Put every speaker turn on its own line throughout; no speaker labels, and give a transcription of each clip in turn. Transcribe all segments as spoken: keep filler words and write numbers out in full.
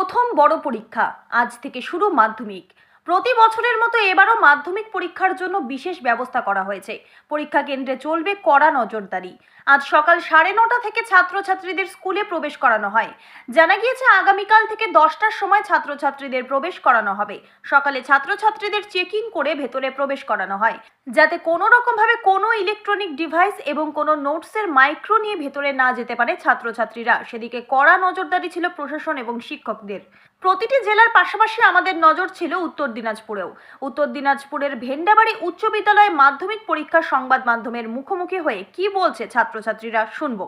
প্রথম বড় পরীক্ষা আজ থেকে শুরু মাধ্যমিক। প্রতি বছরের মতো এবারও মাধ্যমিক পরীক্ষার জন্য বিশেষ ব্যবস্থা করা হয়েছে। পরীক্ষা কেন্দ্রে চলবে কড়া নজরদারি। আজ সকাল সাড়ে নটা থেকে ছাত্রছাত্রীদের স্কুলে প্রবেশ করানো হয়। জানা গিয়েছে আগামীকাল থেকে দশটার সময় ছাত্রছাত্রীদের প্রবেশ করানো হবে। সকালে ছাত্রছাত্রীদের চেকিং করে ভেতরে প্রবেশ করানো হয়, যাতে কোনো রকমভাবে কোনো ইলেকট্রনিক ডিভাইস এবং কোনো নোটসের মাইক্রো নিয়ে ভেতরে না যেতে পারে ছাত্রছাত্রীরা। সেদিকে কড়া নজরদারি ছিল প্রশাসন এবং শিক্ষকদের। প্রতিটি জেলার পাশাপাশি আমাদের নজর ছিল উত্তর দিনাজপুরেও। উত্তর দিনাজপুরের ভেন্ডাবাড়ি উচ্চ বিদ্যালয়ে মাধ্যমিক পরীক্ষার সংবাদ মাধ্যমের মুখোমুখি হয়ে কি বলছে ছাত্রছাত্রীরা শুনবো।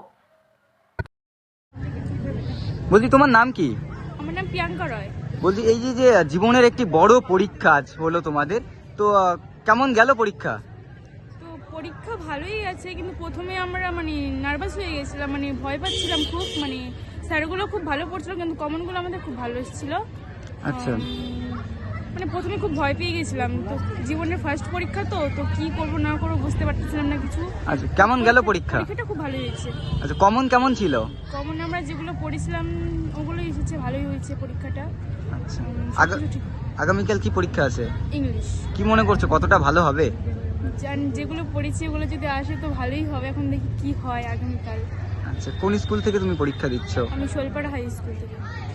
বলছি, তোমার নাম কি?
আমার নাম প্রিয়াঙ্কা রয়।
বলছি, এই যে যে জীবনের একটি বড় পরীক্ষা আজ হলো তোমাদের, তো আহ, কেমন গেল পরীক্ষা?
তো পরীক্ষা ভালোই আছে, কিন্তু প্রথমে আমরা মানে নার্ভাস হয়ে গেছিলাম, মানে ভয় পাচ্ছিলাম খুব। মানে স্যারগুলো খুব ভালো পড়ছিল, কিন্তু কমনগুলো আমাদের খুব ভালো এসেছিলো।
আচ্ছা,
মানে প্রথমে খুব ভয় পেয়ে গেছিলাম, তো জীবনের ফার্স্ট পরীক্ষা তো তো কি করবো না করবো বুঝতে পারতেছিলাম না কিছু।
আচ্ছা, কেমন গেল পরীক্ষা?
পরীক্ষাটা খুব ভালো হয়েছে।
আচ্ছা, কমন কেমন ছিল?
কমন আমরা যেগুলো পড়েছিলাম ওগুলোই এসেছে, ভালোই হয়েছে পরীক্ষাটা।
আচ্ছা,
উম,
আগা-
সবকিছু ঠিক।
আগামীকাল কি পরীক্ষা আছে?
ইংলিশ।
কি মনে করছো, কতটা ভালো হবে?
জান যেগুলো পড়েছি ওগুলো যদি আসে তো ভালোই হবে, এখন দেখি কি হয় আগামীকাল।
আচ্ছা, কোন স্কুল থেকে তুমি পরীক্ষা দিচ্ছ?
আমি শোলপাড়া হাই স্কুল থেকে।